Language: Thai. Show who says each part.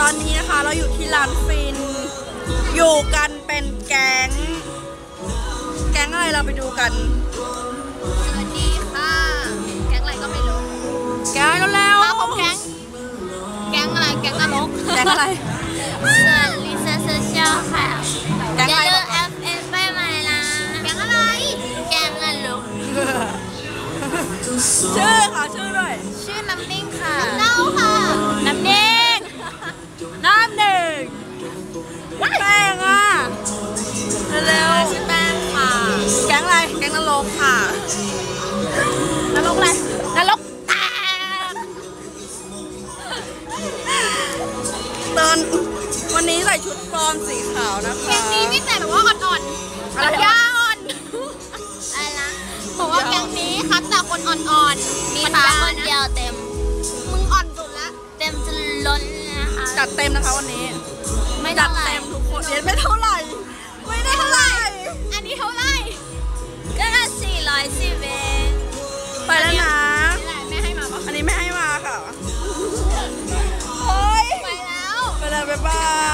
Speaker 1: อนนี้นะคะเราอยู่ที่ร้านฟินอยู่กันเป็นแก๊งอะไรเราไปดูกัน
Speaker 2: สวัสดีค่ะแก๊งอะไรก็ไม่รู้
Speaker 1: แก๊งก็แล้ว
Speaker 2: มาพบแก๊งอะไรแก๊งนรก
Speaker 1: แก๊งอะไร
Speaker 2: ส่วนลิซ่าโซเชียลค่ะ
Speaker 1: แก๊งอะไร
Speaker 2: FF ไปมาละแก๊งอะไรแก๊งนรก
Speaker 1: ชื่อค่ะชื่อด้วย
Speaker 2: ชื่อน้ำนิ่งค่ะเล่าค่ะน้ำนิ่ง
Speaker 1: แป้งอ่ะเร็ว
Speaker 2: ชื่อแป้งค่ะ
Speaker 1: แก๊งอะไรแก๊งนรกค่ะนรกอะไรนรกแตกตอนวันนี้ใส่ชุดฟอร์มสีขาวนะคะ
Speaker 2: แก๊งนี้มีแต่แบบว่าอ่อนๆอะไรยาอ่อนอะไรนะบอกว่าแก๊งนี้คัดแต่คนอ่อนๆมีฟ้าคนเดียวเต็มมึงอ่อนสุดละเต็มจนล้นนะคะ
Speaker 1: จัดเต็มนะคะวันนี้
Speaker 2: ไม่
Speaker 1: จัดเต็มทุกคนไม่เท่าไหร่
Speaker 2: อันนี้เท่าไหร่ก็ละ410เอง
Speaker 1: ไปแล้วนะ
Speaker 2: ไม่ให้มาปะ
Speaker 1: อันนี้ไม่ให้มาค่ะเฮ้ย
Speaker 2: ไปแล้ว
Speaker 1: บ๊ายบาย